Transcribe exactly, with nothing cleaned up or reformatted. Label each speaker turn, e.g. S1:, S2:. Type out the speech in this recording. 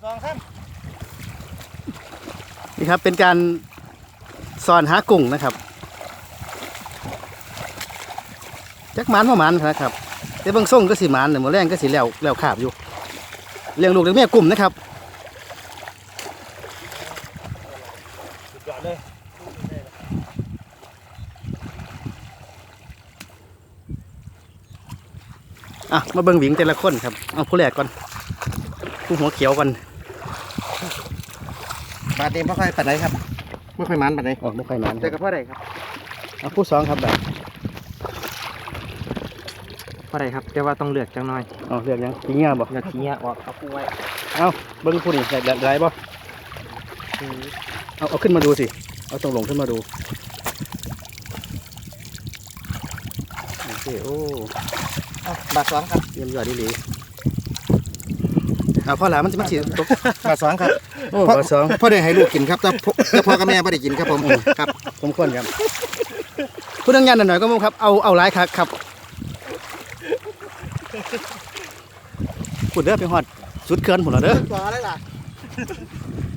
S1: สองสาม
S2: นี่ครับเป็นการสอนหากุ้งนะครับจักหมันพ่อมันนะครับแต่บางส่งก็สีมันแต่หมดแรงก็สีแล้วแล้วขาบอยู่เลี้ยงลูกเลี้ยงแม่กลุ่มนะครับ
S1: สุดยอดเลย
S2: อ่ะมาเบิ่งหวิงแต่ละคนครับเอาผู้แรกก่อนผู้หัวเขียวก่อน
S1: บาดนี้ไม่ค่อยปัดไหนครับไม่ค่อยมันปัดไหน
S2: ออกไม่ค่อยมัน
S1: เจอกับพ่อใดครับ
S2: เอาผู้สองครับแบบ
S1: พ่อใดครับแต่ว่าต้องเลือกจังหน่อย
S2: เอาเรียกยังทีเงี้ยบอก
S1: เลือกทีเนี้ยออกเอาคู่ไว้
S2: เอาเบิ้งผู้นี่ใส่ไรบ่เอาเอาขึ้นมาดูสิเอาตรงลงขึ้นมาดูโอเคโอ้
S1: เอาบาทสองครับ
S2: เยี่ยมยอดดีหลีเอาข้อหลามมันจะมันสีตก
S1: บาทสองครับ
S2: โอ้บาทสอง
S1: พ่อได้ให้ลูกกินครับแต่พ่อแต่พ่อกับแม่ไม่ได้กินครับผมครับ
S2: ผมควรครับพูดดังยันหน่อยก็มั้งครับเอาเอาหลายครับครับพูดเด้อไปหอดสุดเกินผมเหรอเด้อ
S1: ต่อได้ล่ะ